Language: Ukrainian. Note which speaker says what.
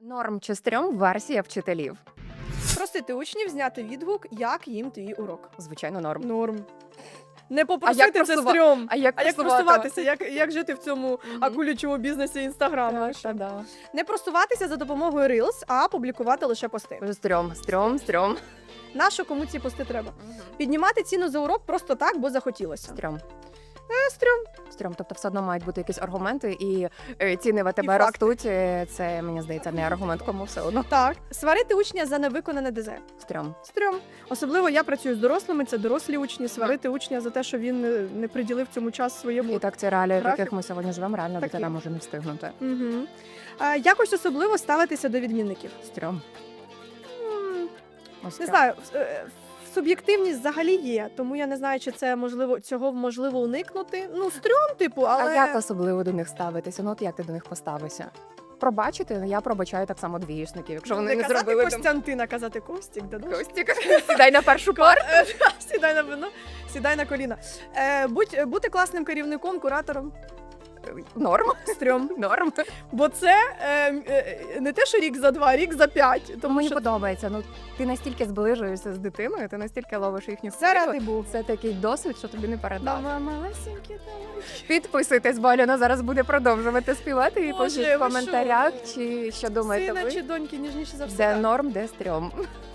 Speaker 1: Норм чи стрьом версія вчителів.
Speaker 2: Просити учнів зняти відгук, як їм твій урок.
Speaker 1: Звичайно, норм.
Speaker 2: Норм. Не попросити це стрьом.
Speaker 1: А як
Speaker 2: просуватися? Як жити в цьому
Speaker 1: Мгм.
Speaker 2: акулячому бізнесі Інстаграму?
Speaker 1: Да.
Speaker 2: Не просуватися за допомогою Reels, а публікувати лише пости.
Speaker 1: Стрьом.
Speaker 2: Нащо кому ці пости треба? Піднімати ціну за урок просто так, бо захотілося.
Speaker 1: Стрьом.
Speaker 2: Стрьом.
Speaker 1: Стрьом. Тобто все одно мають бути якісь аргументи, і ціни в АТБ
Speaker 2: факти.
Speaker 1: ростуть. Це, мені здається, не аргумент, кому все одно.
Speaker 2: Так. Сварити учня за невиконане ДЗ.
Speaker 1: Стрьом.
Speaker 2: Стрьом. Особливо я працюю з дорослими, це дорослі учні. Сварити учня за те, що він не приділив цьому час своєму.
Speaker 1: І так ці реалії, в
Speaker 2: Графік.
Speaker 1: яких ми сьогодні живемо, реально
Speaker 2: Такі.
Speaker 1: дитина може не встигнути.
Speaker 2: Угу. Якось особливо ставитися до відмінників.
Speaker 1: Стрьом. Ось
Speaker 2: Не
Speaker 1: стрьом.
Speaker 2: знаю, суб'єктивність взагалі є, тому я не знаю, чи це цього можливо уникнути. Ну, стрьом, типу, але
Speaker 1: А як особливо до них ставитися? Ну от як ти до них поставишся? Пробачити? Я пробачаю так само двієшників, якщо вони не
Speaker 2: казати
Speaker 1: зробили там
Speaker 2: Костянтина, казати Костік, да,
Speaker 1: Костік. Сідай на першу пару.
Speaker 2: Сідай на вино, сідай на коліна. Бути класним керівником, куратором.
Speaker 1: Норм.
Speaker 2: Стрьом.
Speaker 1: Норм.
Speaker 2: Бо це не те, що рік за 2, рік за 5. Тому
Speaker 1: Мені
Speaker 2: що
Speaker 1: подобається. Ну ти настільки зближуєшся з дитиною, ти настільки ловиш їхню
Speaker 2: це ради був.
Speaker 1: Це такий досвід, що тобі не передати.
Speaker 2: Малесенькі, давай.
Speaker 1: Підписуйтесь, бо Альона зараз буде продовжувати співати і
Speaker 2: Боже,
Speaker 1: пишіть
Speaker 2: ви
Speaker 1: в коментарях, чи що думаєте
Speaker 2: Сина
Speaker 1: ви.
Speaker 2: чи доньки ніжніше за все.
Speaker 1: Де норм, де стрьом.